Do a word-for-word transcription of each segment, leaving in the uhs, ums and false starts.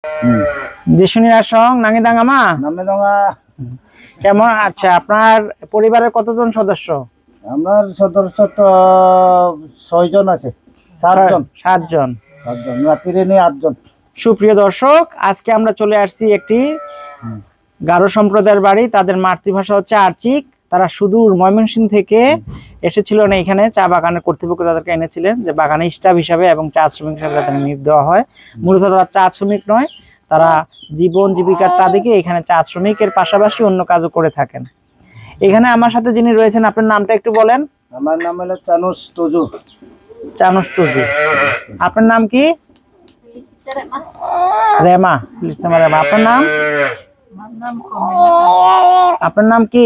যিশুনির আসং নাঙ্গিদাঙ্গামা নামেদাঙ্গা। কেমন? আচ্ছা, আপনার পরিবারের কতজন সদস্য? আমার সদস্য তো ছয়জন আছে। সাতজন সাতজন সাতজন রাত্রিরে নিয়ে আটজন। সুপ্রিয় দর্শক, আজকে আমরা চলে আসছি একটি গারো সম্প্রদায়ের বাড়ি। তাদের মাতৃভাষা হচ্ছে আর্চিক। তারা সুদূর ময়মনসিংহ থেকে এসেছিল না, এখানে চা বাগানের কর্তৃপক্ষ তাদেরকে এনেছিলেন যে বাগানে স্টাফ হিসাবে এবং চা শ্রমিক হিসাবে তাদের নিয়োগ দেওয়া হয়। মূলত তারা চা শ্রমিক নয়, তারা জীবন জীবিকার তাদেরকে এখানে চা শ্রমিকের পাশাপাশি অন্য কাজও করে থাকেন। এখানে আমার সাথে যিনি রয়েছেন, আপনার নামটা একটু বলেন। আমার নাম হলো চানুস তজু। চানুস তজু। আপনার নাম কি? রেমা। রেমা। আপনার নাম? আপনার নাম কি?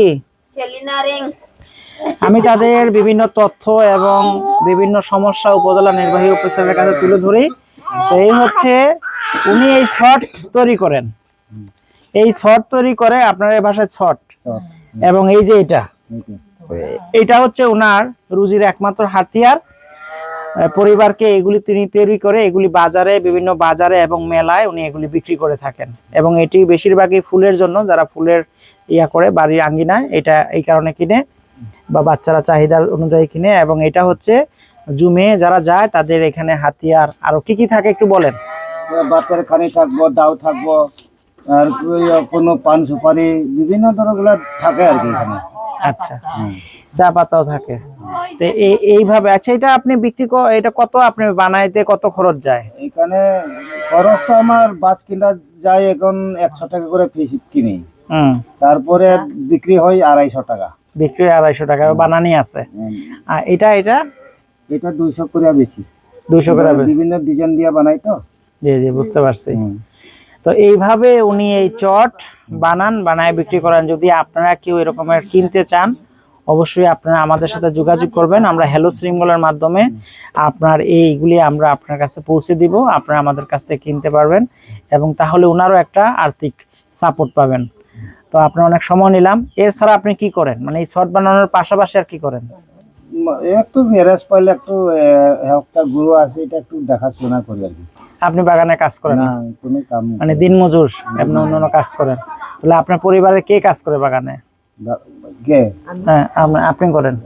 আমি তাদের বিভিন্ন তথ্য এবং বিভিন্ন সমস্যা উপজেলা নির্বাহী অফিসারের কাছে তুলে ধরি। তো এই হচ্ছে উনি এই শর্ট তৈরি করেন, এই শর্ট তৈরি করে আপনার এই ভাষায় শর্ট, এবং এই যে এটা এটা হচ্ছে ওনার রুজির একমাত্র হাতিয়ার। পরিবারকে এগুলি তিনি তৈরি করে এগুলি বাজারে, বিভিন্ন বাজারে এবং মেলায় উনি এগুলি বিক্রি করে থাকেন। এবং এটি বেশিরভাগই ফুলের জন্য, যারা ফুলের ইয়া করে বাড়ির আঙ্গিনায়, এটা এই কারণে কিনে বা বাচ্চারা চাহিদা অনুযায়ী কিনে। এবং এটা হচ্ছে জুমে যারা যায় তাদের এখানে হাতিয়ার। আরো কি কি থাকে একটু বলেন। বাতের খানি থাকবো, দাও থাকবো, আর কোনো পান সুপারি বিভিন্ন ধরনের থাকে আর কি এখানে। আচ্ছা, চা পাতাও থাকে। তো এইভাবে। আচ্ছা, এটা আপনি বিক্রি কর, এটা কত আপনি বানাইতে কত খরচ যায়? এখানে খরচ তো আমার বাস কিনা যায় এখন একশো টাকা করে পিস কিনি, তারপরে বিক্রি হয় আড়াইশো টাকা। বিক্রি আড়াইশো টাকা বানানি আছে। আর এটা এটা এটা দুইশো করে বেশি। দুইশো করে বিভিন্ন ডিজাইন দিয়ে বানাই তো। জি জি, বুঝতে পারছি। তো এইভাবে উনি এই চট বানান, বানায় বিক্রি করেন। যদি আপনারা কেউ এরকমের কিনতে চান, অবশ্যই আপনারা আমাদের সাথে যোগাযোগ করবেন। আমরা হ্যালো শৃঙ্খলার মাধ্যমে আপনার এইগুলি আমরা আপনার কাছে পৌঁছে দিব, আপনারা আমাদের কাছ থেকে কিনতে পারবেন এবং তাহলে ওনারও একটা আর্থিক সাপোর্ট পাবেন। তো আপনার অনেক সময় নিলাম। এছাড়া আপনি কি করেন, মানে এই শর্ট বানানোর পাশাপাশি আর কি করেন? একটু গ্যারেজ পাইলে একটু একটা গুরু আছে, এটা একটু দেখাশোনা করি আর কি। আপনি বাগানে কাজ করেন না? কোনো কাম, মানে দিন মজুর আপনি অন্য কাজ করেন? তাহলে আপনার পরিবারে কে কাজ করে বাগানে? হ্যাঁ, আপনি করেন।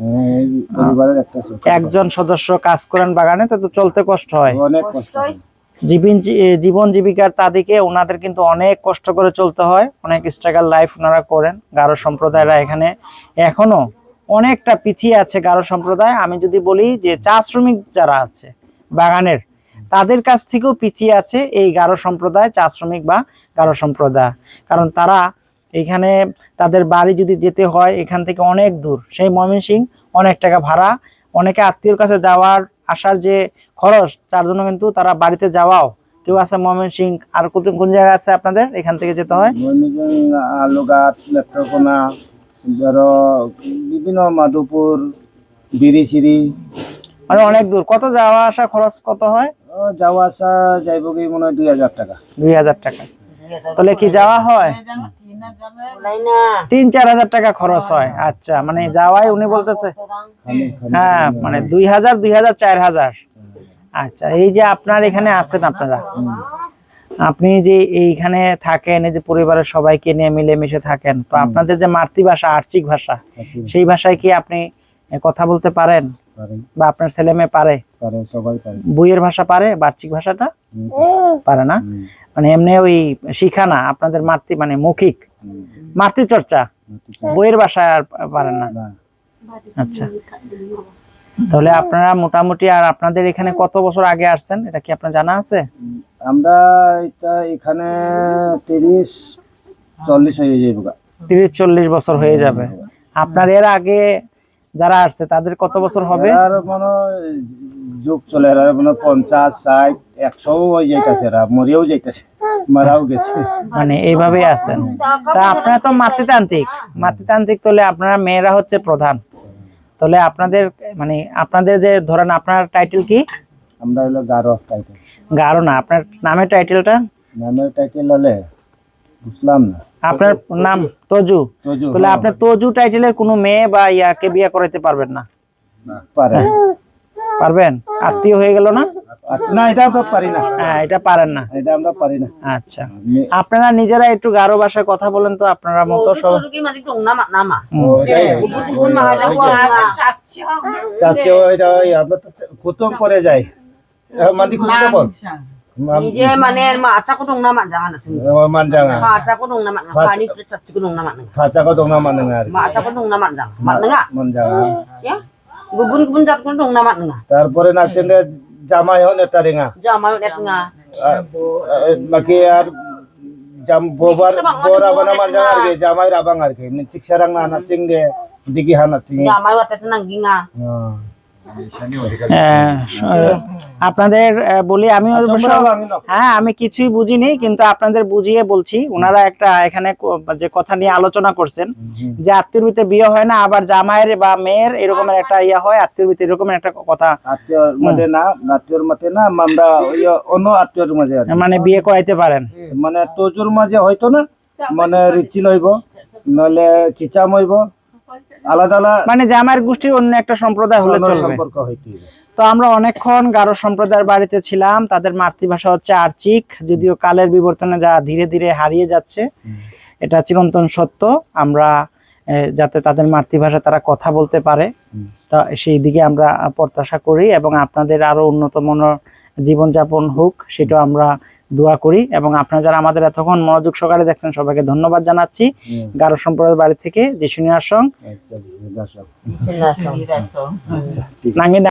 একজন সদস্য কাজ করেন বাগানে, তো চলতে কষ্ট হয়, অনেক কষ্ট হয়। জীবন জীবন জীবিকার তাদেরকে ওনাদের কিন্তু অনেক কষ্ট করে চলতে হয়, অনেক স্ট্রাগল লাইফ ওনারা করেন। গারো সম্প্রদায়রা এখানে এখনো অনেকটা পিছিয়ে আছে গারো সম্প্রদায়। আমি যদি বলি যে চা শ্রমিক যারা আছে বাগানের, তাদের কাছ থেকেও পিছিয়ে আছে এই গারো সম্প্রদায়, চা শ্রমিক বা গারো সম্প্রদায়। কারণ তারা এখানে তাদের বাড়ি যদি যেতে হয় এখান থেকে অনেক দূর, সেই ময়মনসিংহ অনেক টাকা ভাড়া, অনেকে আত্মীয়র কাছে যাওয়ার আসার যে খরচ, তার জন্য কিন্তু তারা বাড়িতে যাওয়াও, কেউ আছে ময়মনসিংহ। আর কোন জায়গা আছে আপনাদের এখান থেকে যেতে হয়? আলুঘাট, নেত্রকোনা, ধরো বিভিন্ন মাধুপুর, বিরিশিরি, মানে অনেক দূর। কত যাওয়া আসা খরচ কত হয়? যাওয়া আসা যাইব কি মনে হয় দুই হাজার টাকা। দুই হাজার টাকা। তাহলে কি যাওয়া হয়? তিন চার হাজার টাকা খরচ হয়। আচ্ছা, মানে যাওয়াই উনি বলতেছে হ্যাঁ, মানে দুই হাজার দুই হাজার চার হাজার। আচ্ছা, এই যে আপনার এখানে আছেন, আপনারা আপনি যে এইখানে থাকেন, এই যে পরিবারের সবাইকে নিয়ে মিলেমিশে থাকেন, তো আপনাদের যে মাতৃভাষা আর্চিক ভাষা, সেই ভাষায় কি আপনি কথা বলতে পারেন বা আপনার ছেলে মেয়ে পারে? বইয়ের ভাষা পারে, বার্ষিক ভাষাটা পারে না, মানে এমনি ওই শিখা না আপনাদের মাতৃ, মানে মৌখিক মাতৃচর্চা, বইয়ের ভাষায় আর পারেন না। আচ্ছা, তাহলে আপনারা মোটামুটি, আর আপনাদের এখানে কত বছর আগে আসছেন এটা কি আপনার জানা আছে? আমরা এটা এখানে তিরিশ চল্লিশ হয়ে যাবে। তিরিশ চল্লিশ বছর হয়ে যাবে। আপনার এর আগে যারা আসছে তাদের কত বছর হবে? আর মনে যুগ চলে, এরা মনে পঞ্চাশ ষাট একশো হয়ে যাইতেছে, এরা মরিয়াও যাইতেছে, মারাও গেছে, মানে এইভাবেই আছেন। তা আপনারা তো মাতৃতান্ত্রিক, মাতৃতান্ত্রিক তাহলে আপনারা মেয়েরা হচ্ছে প্রধান। তাহলে আপনাদের মানে আপনাদের যে ধরেন, আপনার টাইটেল কি? আমরা হলো গারো টাইটেল। গারো না, আপনার নামের টাইটেলটা? নামের টাইটেল হলে বুঝলাম না। আপনার নাম তজু। তাহলে আপনি তজু টাইটেলের কোনো মেয়ে বা ইয়াকে বিয়ে করাইতে পারবেন না? পারে। পারবেন? আত্মীয় হয়ে গেল না? আর না, এটা আমরা পারি না, হ্যাঁ, এটা পারেন না। এটা আমরা পারি না। আচ্ছা, আপনারা নিজেরা একটু গারো ভাষায় কথা বলেন তো, আপনারা মতো সব। চাচ্ছে ওইটা ওই আমরা তো কুতুম পরে যাই, মান্দি কুতুম বল Nije maner ma ata ko dong nama jangan asin. manjanga Ma ata ko dong nama pani prechat ko dong nama. faca ko dong nama dengar Ma ata ko dong nama jangan. Ma nga. manjanga Ya. Gubun gubun dat ko dong nama nga. তারপরে নাচেন জামাই হন এটা রেঙা Jama net nga. বাকি আর jam bobar bora bana manjanga আর কি জামাই রাবাং আর কি ঠিক সারাং না নাচিং দে দিকি হানা চিং Jama wa tet nang ginga. হ্যাঁ, আপনাদের আহ, বলি আমি অবশ্য হ্যাঁ আমি কিছুই বুঝিনি, কিন্তু আপনাদের বুঝিয়ে বলছি। ওনারা একটা এখানে ক- যে কথা নিয়ে আলোচনা করছেন যে আত্মীয় ভিতরে বিয়ে হয় না, আবার জামাইয়ের বা মেয়ের এরকমের একটা ইয়া হয়, আত্মীয় ভিতরে এরকমের একটা কথা, আত্মীয়র মধ্যে না, আত্মীয়র মধ্যে না, আমরা ওই অন্য আত্মীয়র মাঝে আর কি। মানে বিয়ে করাইতে পারেন। মানে তোজুর মাঝে হয়তো না, মানে রিচি লইব নলে চিচাম হইব, আলাদা আলাদা মানে জামাইয়ের গোষ্ঠীর অন্য একটা সম্প্রদায় হলে চলবে। সম্পর্ক হইতে হবে। তো আমরা অনেকক্ষণ গারো সম্প্রদায়ের বাড়িতে ছিলাম। তাদের মাতৃভাষা হচ্ছে আর্চিক, যদিও কালের বিবর্তনে যা ধীরে ধীরে হারিয়ে যাচ্ছে, এটা চিরন্তন সত্য। আমরা আহ, যাতে তাদের মাতৃভাষা তারা কথা বলতে পারে, তা সেই দিকে আমরা প্রত্যাশা করি, এবং আপনাদের আরো উন্নত মনের জীবনযাপন হোক সেটাও আমরা দোয়া করি। এবং আপনারা যারা আমাদের এতক্ষণ মনোযোগ সহকারে দেখছেন সবাইকে ধন্যবাদ জানাচ্ছি। গারো সম্প্রদায়ের বাড়ি থেকে যিশুনিয়ার সঙ্গ আচ্ছা, দর্শক। Jelas. নাঙ্গি